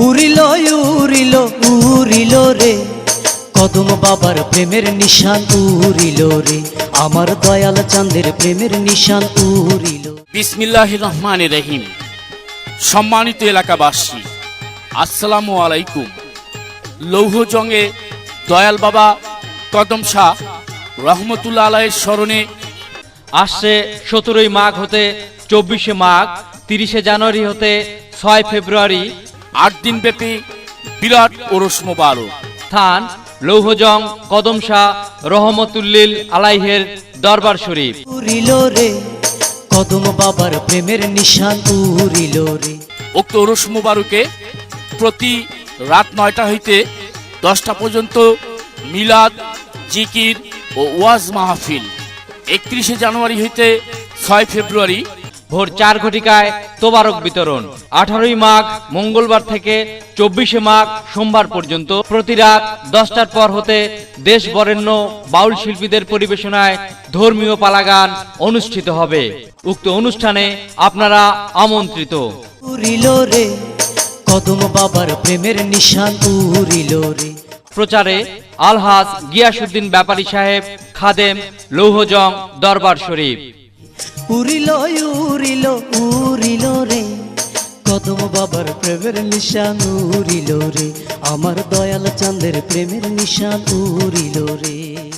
উড়িল উড়িল উড়িল রে কদম বাবার প্রেমের নিশান উড়িল রে, আমার দয়াল চাঁদের প্রেমের নিশান উড়িল। বিসমিল্লাহির রহমানির রহিম। সম্মানিত এলাকাবাসী, আসসালামু আলাইকুম। লৌহজংয়ে দয়াল বাবা কদম শাহ রহমতুল্লাহ আলাইহির স্মরণে আসছে 17ই মাঘ হতে 24শে মাঘ, 30শে জানুয়ারি হতে 6 ফেব্রুয়ারি 8 দিনব্যাপী বিরাট ওরস মোবারক। স্থান লৌহজং কদম শাহ রহমতুল্লিল আলাইহের দরবার শরীফ। উড়িল রে কদম বাবার প্রেমের নিশান উড়িল রে। উক্ত ওরস মোবারকে প্রতি রাত 9টা হইতে 10টা পর্যন্ত মিলাদ, জিকির ও ওয়াজ মাহফিল। 31শে জানুয়ারি হইতে 6 ফেব্রুয়ারি ভোর 4 ঘটিকায় তোবারক বিতরণ। 18ই মাঘ মঙ্গলবার থেকে 24শে মাঘ সোমবার পর্যন্ত প্রতি রাত 10টার পর হতে দেশ বরেণ্য বাউল শিল্পীদের পরিবেশনায় ধর্মীয় পালাগান অনুষ্ঠিত হবে। উক্ত অনুষ্ঠানে আপনারা আমন্ত্রিত। উড়িল রে কদম বাবার প্রেমের নিশান উড়িল রে। প্রচারে আলহাজ গিয়াসউদ্দিন ব্যাপারী সাহেব, খাদেম, লৌহজং দরবার শরীফ। উড়িল উড়িল উড়িল রে কদম বাবার প্রেমের নিশান উড়িল রে, আমার দয়াল চাঁদের প্রেমের নিশান উড়িল রে।